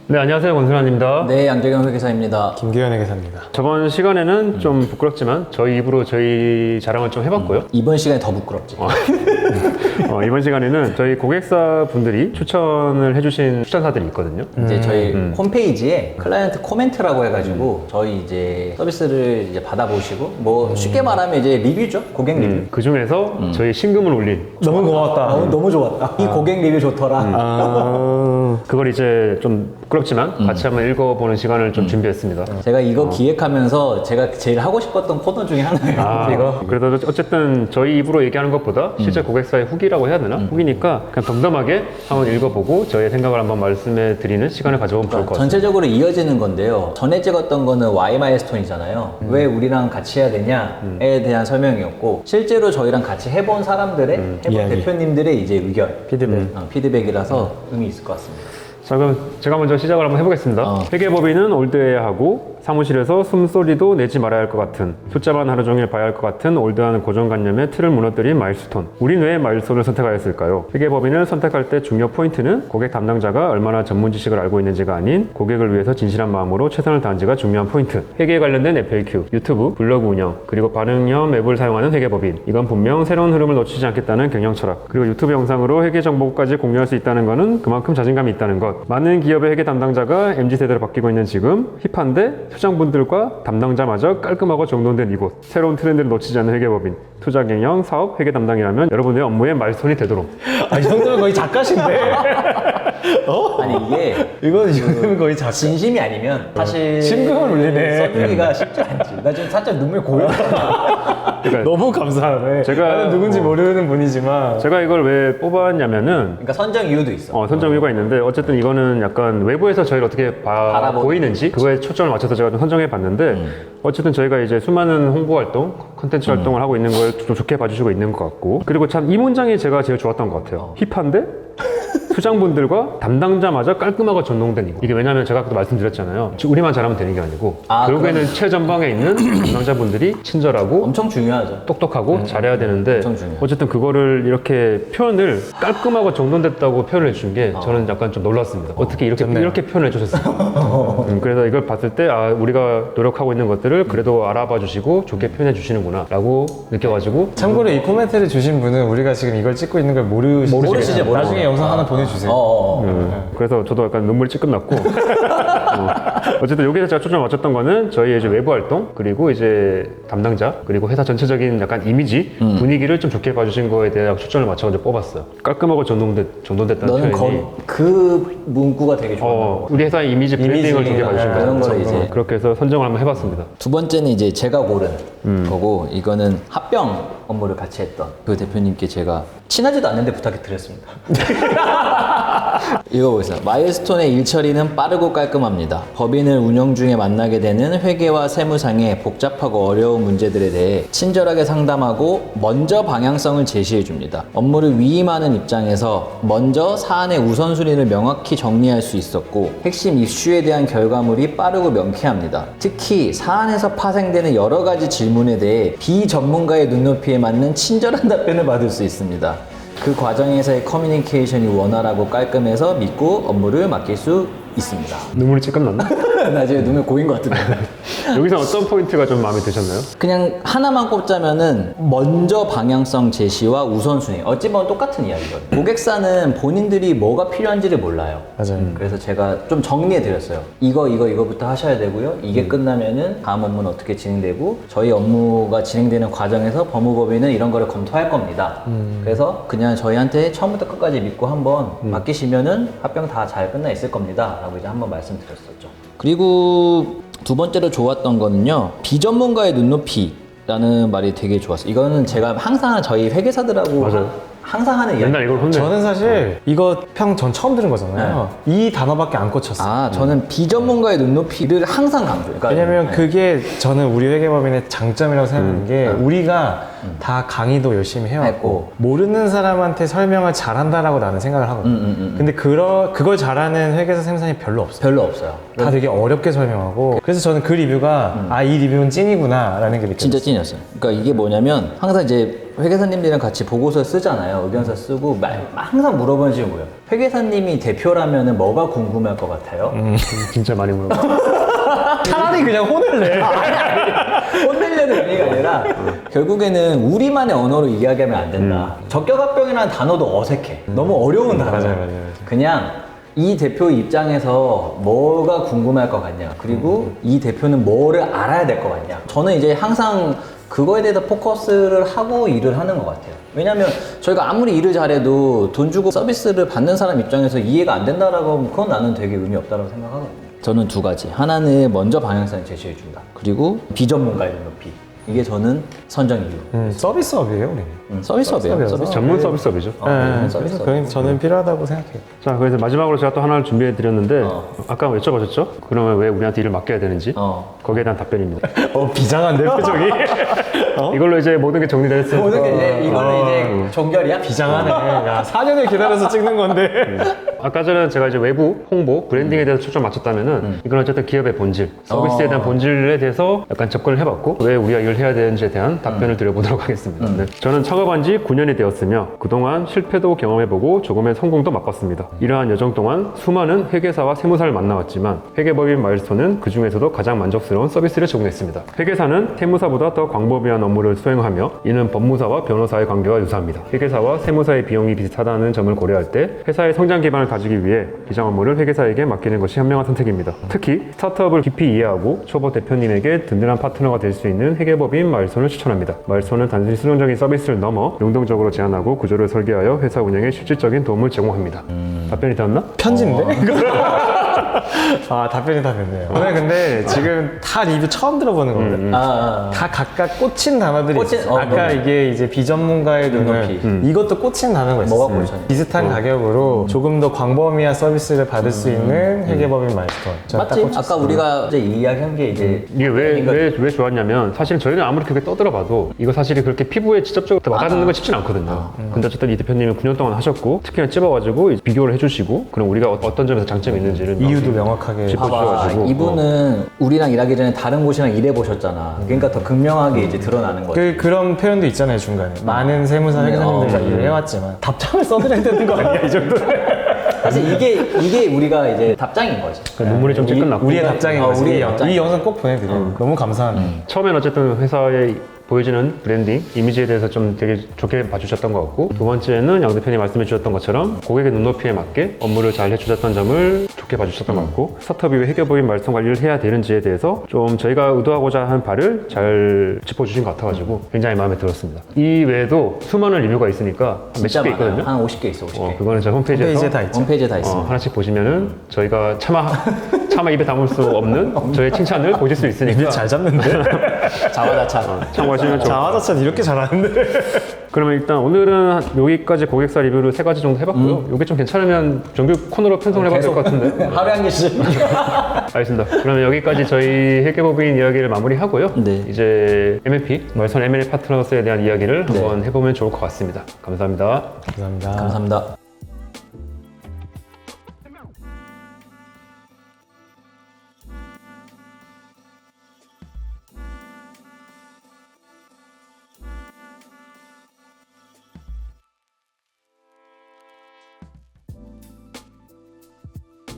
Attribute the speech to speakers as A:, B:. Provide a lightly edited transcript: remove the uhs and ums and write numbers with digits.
A: 네, 안녕하세요. 권순환입니다.
B: 네, 양재경 회계사입니다.
C: 김기현 회계사입니다.
A: 저번 시간에는 좀 부끄럽지만 저희 입으로 저희 자랑을 좀 해봤고요.
B: 이번 시간에 더 부끄럽지.
A: 이번 시간에는 저희 고객사 분들이 추천을 해주신 추천사들이 있거든요.
B: 이제 저희 홈페이지에 클라이언트 코멘트라고 해가지고 저희 이제 서비스를 이제 받아보시고 뭐 쉽게 말하면 이제 리뷰죠. 고객 리뷰.
A: 그 중에서 저희 신금을 올린
C: 너무 고맙다.
B: 너무 좋았다. 이 고객 리뷰 좋더라.
A: 그걸 이제 좀 부끄럽지만 같이 한번 읽어보는 시간을 좀 준비했습니다.
B: 제가 이거 기획하면서 제가 제일 하고 싶었던 코너 중에 하나예요. 이거.
A: 그래도 어쨌든 저희 입으로 얘기하는 것보다 실제 고객사의 후기라고 해야 되나? 후기니까 그냥 덤덤하게 한번 읽어보고 저의 생각을 한번 말씀해 드리는 시간을 가져보면 좋을 것 같아요.
B: 전체적으로 이어지는 건데요. 전에 찍었던 거는 Y 마일스톤이잖아요. 왜 우리랑 같이 해야 되냐에 대한 설명이었고 실제로 저희랑 같이 해본 사람들의 해본
C: 이야기.
B: 대표님들의 이제 의견,
C: 피드백.
B: 피드백이라서 의미 있을 것 같습니다.
A: 자, 그럼 제가 먼저 시작을 한번 해보겠습니다. 회계법인은 올드해야 하고 사무실에서 숨소리도 내지 말아야 할 것 같은, 숫자만 하루 종일 봐야 할 것 같은 올드한 고정관념의 틀을 무너뜨린 마일스톤. 우린 왜 마일스톤을 선택하였을까요? 회계법인을 선택할 때 중요 포인트는 고객 담당자가 얼마나 전문 지식을 알고 있는지가 아닌 고객을 위해서 진실한 마음으로 최선을 다한지가 중요한 포인트. 회계에 관련된 FAQ, 유튜브, 블로그 운영, 그리고 반응형 앱을 사용하는 회계법인. 이건 분명 새로운 흐름을 놓치지 않겠다는 경영 철학. 그리고 유튜브 영상으로 회계 정보까지 공유할 수 있다는 것은 그만큼 자신감이 있다는 것. 많은 기업의 회계 담당자가 MZ세대로 바뀌고 있는 지금 힙한데 투자분들과 담당자마저 깔끔하고 정돈된 이곳. 새로운 트렌드를 놓치지 않는 회계법인. 투자 경영, 사업, 회계 담당이라면 여러분의 업무의 마일스톤이 되도록.
C: 이 정도면 거의 작가신데.
B: 아니 이게
C: 이 정도면 거의 작가.
B: 진심이 아니면 사실
C: 심금을 울리네.
B: 써주기가 쉽지 않지. 나 지금 살짝 눈물 고여.
C: 너무 감사하네. 나는 누군지 모르는 분이지만.
A: 제가 이걸 왜 뽑았냐면은
B: 그러니까 선정 이유도 있어.
A: 선정 이유가 있는데 어쨌든 이거는 약간 외부에서 저희를 어떻게 보이는지 그거에 초점을 맞춰서 제가 좀 선정해 봤는데 어쨌든 저희가 이제 수많은 홍보 활동, 콘텐츠 활동을 하고 있는 걸 좀 좋게 봐주시고 있는 것 같고 그리고 참 이 문장이 제가 제일 좋았던 것 같아요. 힙한데 수장분들과 담당자마저 깔끔하고 전동된 이거. 이게 왜냐면 제가 아까도 말씀드렸잖아요. 우리만 잘하면 되는 게 아니고 결국에는 최전방에 있는 담당자분들이 친절하고
B: 엄청 중요하죠.
A: 똑똑하고 잘해야 되는데
B: 엄청 중요해요.
A: 어쨌든 그거를 이렇게 표현을 깔끔하고 정돈됐다고 표현을 해준 게 저는 약간 좀 놀랐습니다. 어떻게 이렇게 표현을 해주셨어요? 그래서 이걸 봤을 때 우리가 노력하고 있는 것들을 그래도 알아봐 주시고 좋게 표현해 주시는구나 라고 느껴가지고
C: 참고로 이 코멘트를 주신 분은 우리가 지금 이걸 찍고 있는 걸 모르시죠. 나중에 영상 하나 보내주세요.
A: 그래서 저도 약간 눈물이 찔끔 났고 어쨌든 여기서 제가 초점을 맞췄던 거는 저희의 이제 외부 활동 그리고 이제 담당자 그리고 회사 전체적인 약간 이미지 분위기를 좀 좋게 봐주신 거에 대해 초점을 맞춰서 뽑았어요. 깔끔하고 정돈됐다는
B: 너는
A: 표현이
B: 그 문구가 되게 좋아.
A: 우리 회사의 이미지 브랜딩을 좋게 봐주신
B: 그런
A: 거죠.
B: 걸 이제
A: 그렇게 해서 선정을 한번 해봤습니다.
B: 두 번째는 이제 제가 고른 거고 이거는 합병 업무를 같이 했던 그 대표님께 제가 친하지도 않는데 부탁해 드렸습니다. 이거 보세요. 마일스톤의 일 처리는 빠르고 깔끔합니다. 법인을 운영 중에 만나게 되는 회계와 세무상의 복잡하고 어려운 문제들에 대해 친절하게 상담하고 먼저 방향성을 제시해 줍니다. 업무를 위임하는 입장에서 먼저 사안의 우선순위를 명확히 정리할 수 있었고 핵심 이슈에 대한 결과물이 빠르고 명쾌합니다. 특히 사안에서 파생되는 여러 가지 질문에 대해 비전문가의 눈높이에 맞는 친절한 답변을 받을 수 있습니다. 그 과정에서의 커뮤니케이션이 원활하고 깔끔해서 믿고 업무를 맡길 수 있습니다.
A: 눈물이 찔끔 났나?
B: 나 지금 눈물 고인 것 같은데.
A: 여기서 어떤 포인트가 좀 마음에 드셨나요?
B: 그냥 하나만 꼽자면은 먼저 방향성 제시와 우선순위. 어찌 보면 똑같은 이야기거든요. 고객사는 본인들이 뭐가 필요한지를 몰라요.
C: 맞아요.
B: 그래서 제가 좀 정리해 드렸어요. 이거부터 하셔야 되고요. 이게 끝나면은 다음 업무는 어떻게 진행되고 저희 업무가 진행되는 과정에서 법무법인은 이런 거를 검토할 겁니다. 그래서 그냥 저희한테 처음부터 끝까지 믿고 한번 맡기시면은 합병 다 잘 끝나 있을 겁니다. 라고 이제 한번 말씀드렸었죠. 그리고 두 번째로 좋았던 거는요. 비전문가의 눈높이라는 말이 되게 좋았어요. 이거는 제가 항상 저희 회계사들하고
A: 맞아요.
B: 항상 하는 이야기.
A: 맨날 이걸 혼내.
C: 저는 사실 이거 평 전 처음 들은 거잖아요. 이 단어밖에 안 꽂혔어요.
B: 저는 비전문가의 눈높이를 항상 강조해요. 그러니까
C: 왜냐면 그게 저는 우리 회계법인의 장점이라고 생각하는 게 우리가 다 강의도 열심히 해왔고 모르는 사람한테 설명을 잘한다라고 나는 생각을 하거든요. 근데 그걸 잘하는 회계사 생산이 별로 없어요.
B: 별로 없어요.
C: 다 되게 어렵게 설명하고 그래서 저는 그 리뷰가 이 리뷰는 찐이구나 라는 게 느껴졌어요.
B: 진짜 찐이었어요. 그러니까 이게 뭐냐면 항상 이제 회계사님들이랑 같이 보고서 쓰잖아요. 의견서 쓰고 항상 물어보는 질문이 뭐예요? 회계사님이 대표라면 뭐가 궁금할 것 같아요?
A: 진짜 많이 물어봐.
C: 차라리 그냥 혼을 내.
B: 혼내려는 의미가 아니라 결국에는 우리만의 언어로 이야기하면 안 된다. 적격합병이라는 단어도 어색해. 너무 어려운 단어야.
C: 맞아요.
B: 그냥 이 대표 입장에서 뭐가 궁금할 것 같냐. 그리고 이 대표는 뭐를 알아야 될 것 같냐. 저는 이제 항상 그거에 대해서 포커스를 하고 일을 하는 것 같아요. 왜냐면 저희가 아무리 일을 잘해도 돈 주고 서비스를 받는 사람 입장에서 이해가 안 된다라고 하면 그건 나는 되게 의미 없다고 생각하거든요. 저는 두 가지. 하나는 먼저 방향성을 제시해 준다. 그리고 비전문가의 높이. 이게 저는 선정 이유.
C: 서비스업이에요, 우리는.
B: 서비스업이에요.
C: 서비스업이어서.
B: 서비스.
A: 전문 서비스업이죠.
B: 서비스업.
C: 그래서 저는 필요하다고 생각해요.
A: 자, 그래서 마지막으로 제가 또 하나를 준비해 드렸는데 아까 여쭤보셨죠? 그러면 왜 우리한테 일을 맡겨야 되는지? 거기에 대한 답변입니다.
C: 비장한데, 표정이?
A: 이걸로 이제 모든 게 정리됐어요.
B: 모든 게 이제 이걸로 이제 종결이야?
C: 비장하네. 야, 4년을 기다려서 찍는 건데.
A: 아까 전에 제가 이제 외부 홍보, 브랜딩에 대해서 초점 맞췄다면은 이건 어쨌든 기업의 본질, 서비스에 대한 본질에 대해서 약간 접근을 해봤고 왜 우리가 이걸 해야 되는지에 대한 답변을 드려보도록 하겠습니다. 네. 저는 창업한 지 9년이 되었으며 그동안 실패도 경험해보고 조금의 성공도 맛봤습니다. 이러한 여정 동안 수많은 회계사와 세무사를 만나왔지만 회계법인 마일스톤은 그 중에서도 가장 만족스러운 서비스를 제공했습니다. 회계사는 세무사보다 더 광범위한 업무를 수행하며 이는 법무사와 변호사의 관계와 유사합니다. 회계사와 세무사의 비용이 비슷하다는 점을 고려할 때 회사의 성장 기반을 가지기 위해 비장 업무를 회계사에게 맡기는 것이 현명한 선택입니다. 특히 스타트업을 깊이 이해하고 초보 대표님에게 든든한 파트너가 될 수 있는 회계법인 마일스톤을 추천합니다. 마일스톤은 단순히 수동적인 서비스를 넘어 능동적으로 제안하고 구조를 설계하여 회사 운영에 실질적인 도움을 제공합니다. 답변이 되었나?
C: 편지인데? 아, 답변이 다 됐네요. 오늘 근데 지금 다 리뷰 처음 들어보는 거거든요. 다 각각 꽂힌 단어들이 있어요. 아까 이게 이제 비전문가의 눈높이. 이것도 꽂힌 단어가 있어요.
B: 뭐가 꽂혔냐?
C: 비슷한 가격으로 조금 더 광범위한 서비스를 받을 수 있는 회계법인 마일스톤. 저는 딱
B: 맞지?
C: 꽂혔어요.
B: 아까 우리가 이제 이야기한 게 이제
A: 이게 왜 좋았냐면 사실 저희는 아무리 그렇게 떠들어봐도 이거 사실이 그렇게 피부에 직접적으로 와닿는 건 쉽진 않거든요. 근데 어쨌든 이 대표님이 9년 동안 하셨고 특히나 찝어가지고 이제 비교를 해주시고 그럼 우리가 어떤 점에서 장점이 있는지를
C: 이유도 명확하게
A: 짚어주셔가지고
B: 이분은 우리랑 일하기 전에 다른 곳이랑 일해보셨잖아. 그러니까 더 극명하게 이제 드러나는 거지.
C: 그런 표현도 있잖아요, 중간에. 많은 세무사 회계사님들과 일을 해왔지만 답장을 써드려야 되는 거 아니야, 이 정도는?
B: 사실 이게 우리가 이제 답장인 거지.
A: 눈물이 좀 찔끔났고
C: 우리의 답장인 거지.
B: 우리의
C: 이
B: 답장.
C: 영상 꼭 보내드려요. 너무 감사하네.
A: 처음엔 어쨌든 회사의 보여지는 브랜딩, 이미지에 대해서 좀 되게 좋게 봐주셨던 것 같고 두 번째는 양 대표님 말씀해 주셨던 것처럼 고객의 눈높이에 맞게 업무를 잘 해주셨던 점을 좋게 봐주셨던 것 같고 스타트업이 왜 회계법인 말씀 관리를 해야 되는지에 대해서 좀 저희가 의도하고자 한 바를 잘 짚어주신 것 같아가지고 굉장히 마음에 들었습니다. 이 외에도 수많은 리뷰가 있으니까 몇십 개 있거든요.
B: 한 50개 있어, 50개.
A: 그거는 제 홈페이지에서
C: 홈페이지에 다 있죠.
B: 홈페이지에 다 있습니다.
A: 하나씩 보시면은 저희가 차마 입에 담을 수 없는 저의 칭찬을 보실 수 있으니까
C: 입이 잘 잡는데?
B: 자화자찬.
A: 참고하시면 좋을
C: 자화자찬 이렇게 잘하는데?
A: 그러면 일단 오늘은 여기까지 고객사 리뷰를 3가지 정도 해봤고요. 이게 좀 괜찮으면 정규 코너로 편성을 해봐야 될 것 같은데.
B: 하루에 한 개씩.
A: 알겠습니다. 그러면 여기까지 저희 회계법인 이야기를 마무리하고요.
B: 네.
A: 이제 MLP, 말선 M&A 파트너스에 대한 이야기를 한번 해보면 좋을 것 같습니다. 감사합니다.
C: 감사합니다.
B: 감사합니다.